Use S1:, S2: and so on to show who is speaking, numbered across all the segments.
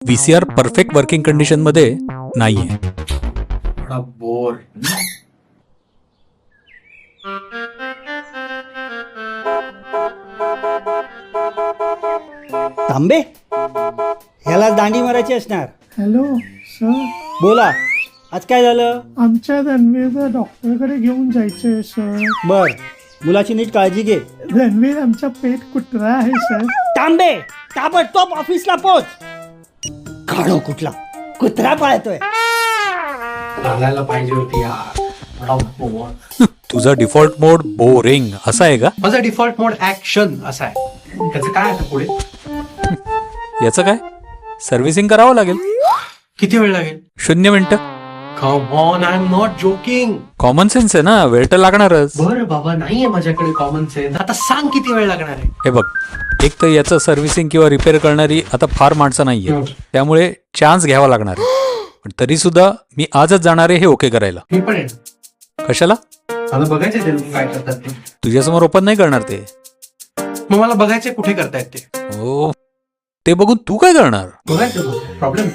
S1: VCR perfect working condition मध्ये नाहीये.
S2: थोडा बोर.
S3: तांबे ह्याला दांडी मारायची असणार.
S4: हॅलो सर,
S3: बोला, आज काय झालं?
S4: आमच्या रणवीरला डॉक्टरकडे घेऊन जायचंय सर.
S3: बर, मुलाची नीट काळजी घे.
S4: रणवीर आमचा पेट कुत्रा आहे सर.
S3: तांबे ताबडतोब ऑफिसला पोच. काढो कुठला कुत्रा पाळतोय.
S2: चालायला पाहिजे होती यार. थोडा बोर.
S1: तुझा डिफॉल्ट मोड बोरिंग असा आहे का?
S2: माझा डिफॉल्ट मोड ऍक्शन असा आहे. त्याचं काय आता पुढे?
S1: याचं काय? सर्व्हिसिंग करावं लागेल.
S2: किती वेळ लागेल?
S1: 0 मिनिटं.
S2: Come on, I am not joking.
S1: Common sense आहे ना, वेळ तर लागणारच.
S2: बरं बाबा, नाहीये माझ्याकडे कॉमन सेन्स. आता सांग किती वेळ लागणार आहे?
S1: हे बघ, एक तर याचं सर्व्हिसिंग किंवा रिपेअर करणारी आता फार माणसं नाहीये, त्यामुळे चान्स घ्यावा लागणार आहे. पण तरी सुद्धा मी आजच जाणार आहे हे ओके करायला.
S2: मी पण आहे.
S1: कशाला?
S2: मला बघायचंय ते लोक काय करतात ते.
S1: तुझ्यासमोर ओपन नाही करणार ते.
S2: मग मला बघायचंय कुठे करतायत ते.
S1: हो, ते बघून तू काय करणार?
S2: बघायचं प्रॉब्लेम.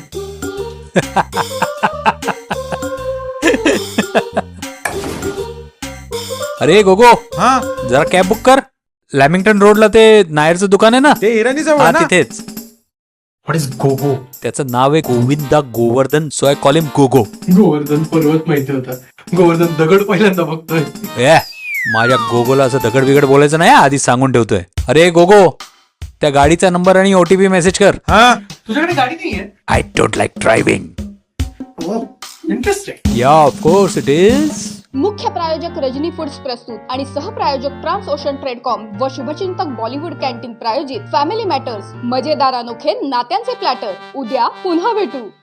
S1: अरे गोगो,
S5: हा,
S1: जरा कॅब बुक कर. लॅमिंग्टन रोडला ते नायरचं दुकान आहे ना,
S5: ते हिरानी जवळ
S1: हा
S5: ना.
S1: तिथेच.
S2: व्हॉट इज गोगो?
S1: त्याचं नाव आहे Govinda Govardhan, so I call him Gogo.
S2: Govardhan पर्वत माहिती होता. गोवर्धन दगड पहिल्यांदा बघतोय.
S1: ए, माझ्या गोगोला असं दगड बिगड बोलायचं नाही, आधीच सांगून ठेवतोय. अरे गोगो, त्या गाडीचा नंबर आणि ओटीपी मेसेज कर.
S5: हा,
S2: तुझ्याकडे गाडी नाहीये?
S1: I don't like driving.
S2: Interesting.
S1: Yeah of course it is.
S6: मुख्य प्रायोजक रजनी फूड्स प्रस्तुत आणि सहप्रायोजक ट्रान्स ओशन ट्रेडकॉम व शुभचिंतक बॉलिवूड कॅन्टीन प्रायोजित फॅमिली मॅटर्स, मजेदार अनोखे नात्यांचे प्लॅटर. उद्या पुन्हा भेटू.